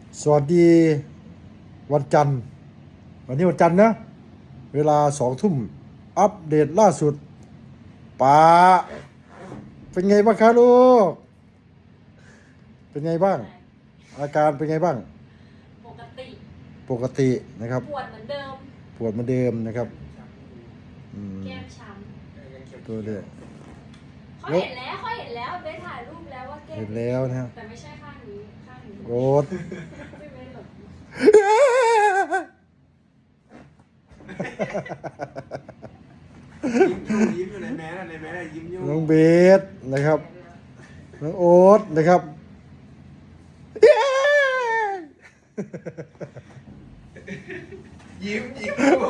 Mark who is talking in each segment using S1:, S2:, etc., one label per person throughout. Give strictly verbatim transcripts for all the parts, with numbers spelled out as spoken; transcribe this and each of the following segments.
S1: สวัสดีวันจันทร์วันนี้วันจันทร์นะเวลาสองทุ่มอัปเดตล่าสุดป้าเป็นไงบ้างครับลูกเป็นไงบ้างอาการเป็นไงบ้าง
S2: ปกติ
S1: ปกตินะครับ
S2: ปวดเหมือนเดิม
S1: ปวดเหมือนเดิมนะครับ
S2: แก้มช้
S1: ำตัวเดียว
S2: เขาเห็นแล้วเขาเห็นแล้วได้ถ่ายรูปแล้วว่าแก้ม
S1: เห็นแล้วนะ
S2: แต่ไม่ใช่ข้างนี้ข้างนี้
S1: โอ๊ต
S2: ไม่ไม่หรอก
S3: ยิ้มอยู่ในแมสในแมสยิ้มอยู่
S1: น้องเบสนะครับน้องโอ๊ตนะครับ
S3: ยิ้มยิ้มอยู่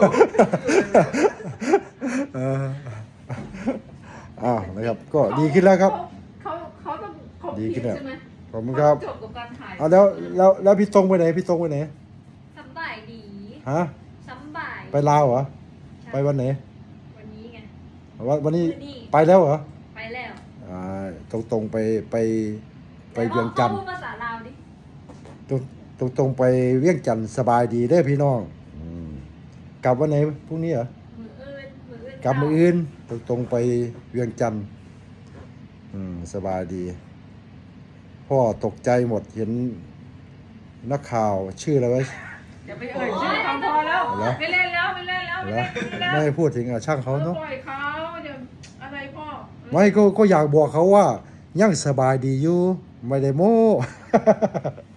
S1: อ้าวนะครับก็ดีขึ้นแล้วครับ
S2: เขาเขาต้องครบ
S1: ดีขึ้นแล้ว
S2: ใช่ไหม
S1: ขอบคุณครับ
S2: จบกับการถ่าย
S1: เอาแล้วแล้วแล้วพี่ตรงไปไหนพี่ตรงไปไหน
S2: สบายดี
S1: ฮะ
S2: สบาย
S1: ไปลาวเหรอไปวันไหน
S2: วันนี้ไง
S1: วันวันนี้
S2: วันนี้
S1: ไปแล้วเหรอ
S2: ไปแล้ว
S1: อ่าตรงตรงๆไปไปไปเวียงจันทร์
S2: พูดภาษาลาวดิ
S1: ตรงตรงตรงๆไปเวียงจันทร์สบายดีได้อพี่น้องอืมกลับวันไหนพรุ่งนี้เหรอ
S2: มืออื่นมืออื่น
S1: กลับมืออื่นตรงตรงๆไปเวียงจันทร์อืมสบายดีพ่อตกใจหมดเห็นนักข่าวชื่ออะไรวะ
S4: อย่าไปเอ่ยชื่อเขาพอแล้ว
S1: เหรอ
S4: ไม่เล่นแล้วไม่เล่นแล้วไม่
S1: เหรอ
S4: เล่นแล้ว
S1: ไม่ให้พูดถึงอ่ะช่างเขาเนาะ
S4: ปล่อยเขาเดี๋ยวอะไรพ่อ
S1: ไม่ก็ก็อยากบอกเขาว่ายังสบายดีอยู่ไม่ได้โม้